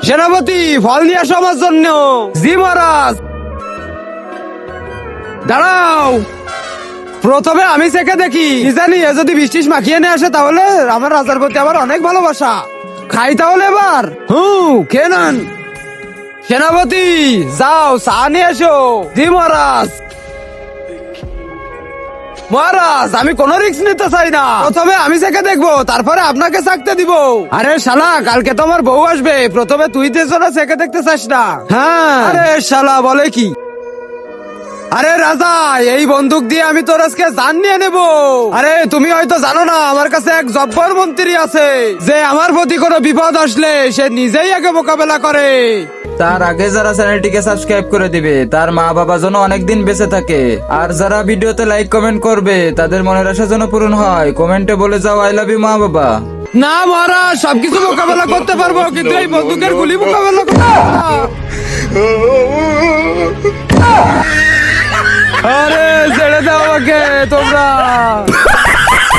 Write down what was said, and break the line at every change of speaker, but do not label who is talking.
সেনাপতি ফল নিয়ে আসো আমার জন্য। জি মহারাজ। দাঁড়াও, প্রথমে আমি চেখে দেখি, কি জানি এ যদি বৃষ্টিস মাখিয়ে নিয়ে আসে তাহলে আমার রাজার প্রতি আমার অনেক ভালোবাসা। খাই তাহলে এবার। খেয়ে নেন। সেনাপতি যাও চা নিয়ে এসো। জি মহারাজ। মহারাজ আমি কোন রিস্ক নিতে চাই না, প্রথমে আমি চেখে দেখবো তারপরে আপনাকে চাকতে দিব। আরে শালা, কালকে তো আমার বউ আসবে, প্রথমে তুই তেজরা চেখে দেখতে চাস না? হ্যাঁ। আরে শালা বলে কি? আরে রাজা, এই বন্দুক দিয়ে আমি তোর আজকে জান নিয়ে নেব। আরে তুমি হয়তো জানো না, আমার কাছে এক জব্বর মন্ত্রী আছে, যে আমার প্রতি কোনো বিপদ আসলে সে নিজেই আগে মোকাবেলা করে।
তার আগে যারা চ্যানেলটিকে সাবস্ক্রাইব করে দিবে তার মা বাবা যেন অনেকদিন বেঁচে থাকে, আর যারা ভিডিওতে লাইক কমেন্ট করবে তাদের মনের আশা যেন পূরণ হয়। কমেন্টে বলে যাও আই লাভ ইউ মা বাবা।
না মহারাজ, সবকিছু মোকাবেলা করতে পারবো, কিন্তু এই বন্দুকের গুলি মোকাবেলা করতে পারবো না। আরে ছেড়ে দাও আমাকে তোমরা।